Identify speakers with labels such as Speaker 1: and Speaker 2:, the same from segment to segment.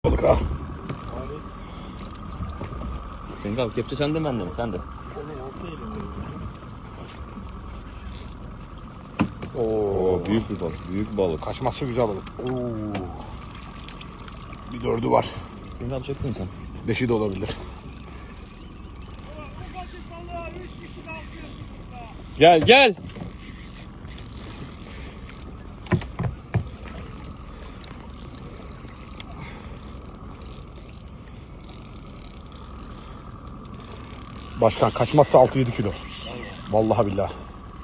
Speaker 1: Balık ha.
Speaker 2: Cenk abi kepçe sende mi bende mi? Sende.
Speaker 1: Oo,
Speaker 2: Büyük bir balık. Büyük balık.
Speaker 1: kaçmazsa güzel balık. Oo. Bir dördü var.
Speaker 2: Cenk abi çektin mi sen?
Speaker 1: Beşi de olabilir.
Speaker 2: Gel gel.
Speaker 1: Başkan kaçmazsa 6-7 kilo. Vallahi billahi.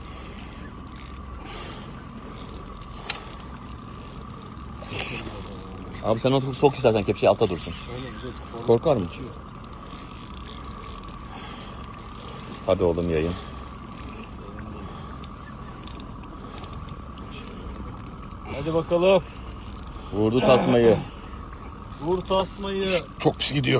Speaker 2: Abi sen onu sok istersen kepçeyi altta dursun. Korkar mı? Hadi oğlum yayın.
Speaker 3: Hadi bakalım.
Speaker 2: Vurdu tasmayı.
Speaker 3: Vur tasmayı.
Speaker 1: Çok pis gidiyor.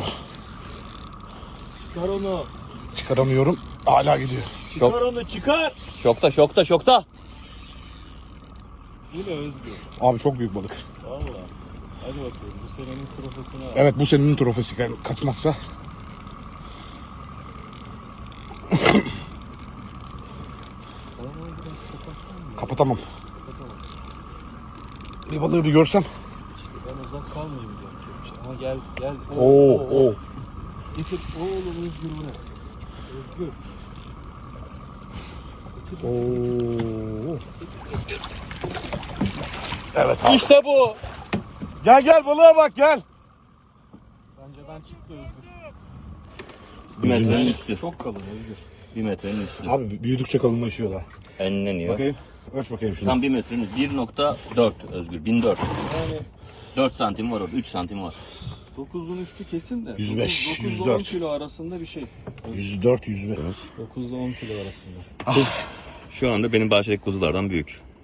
Speaker 3: Çıkar onu.
Speaker 1: Çıkaramıyorum. Hala gidiyor.
Speaker 3: Çıkar
Speaker 2: Şok.
Speaker 3: onu çıkar.
Speaker 2: Şokta şokta şokta.
Speaker 3: Bu ne Özgür?
Speaker 1: Abi çok büyük balık.
Speaker 3: Valla. Hadi bakalım bu senenin trofesini al.
Speaker 1: Evet bu senin trofesi. Yani kaçmazsa.
Speaker 3: Onu biraz kapatsan mı?
Speaker 1: Kapatamam.
Speaker 3: Kapatamazsın.
Speaker 1: Bir balığı bir görsem.
Speaker 3: İşte ben uzak kalmayayım diyorum kepçe. Ama gel gel.
Speaker 1: Oo.
Speaker 3: Getir. Oğlum Özgür bu ne? Özgür.
Speaker 1: Oo. Evet abi.
Speaker 2: İşte bu.
Speaker 1: Gel balığa bak gel.
Speaker 3: Bence çıktı Özgür.
Speaker 2: Bir metrenin üstü.
Speaker 3: Çok kalın Özgür.
Speaker 2: Bir metrenin üstü.
Speaker 1: Abi büyüdükçe kalınlaşıyor da.
Speaker 2: Enleniyor.
Speaker 1: Bakayım. Ölç bakayım şunu.
Speaker 2: Tam bir metrenin üstü. 1.4 Özgür. 1004.
Speaker 3: Yani
Speaker 2: 4 santim var orada. 3 santim var.
Speaker 3: 9'un üstü kesin de.
Speaker 1: 105,
Speaker 3: 9 ile 10
Speaker 1: 104.
Speaker 3: kilo arasında bir şey.
Speaker 1: 104 105.
Speaker 3: 9 ile 10 kilo arasında.
Speaker 2: Şu anda benim bahçedeki kuzulardan büyük.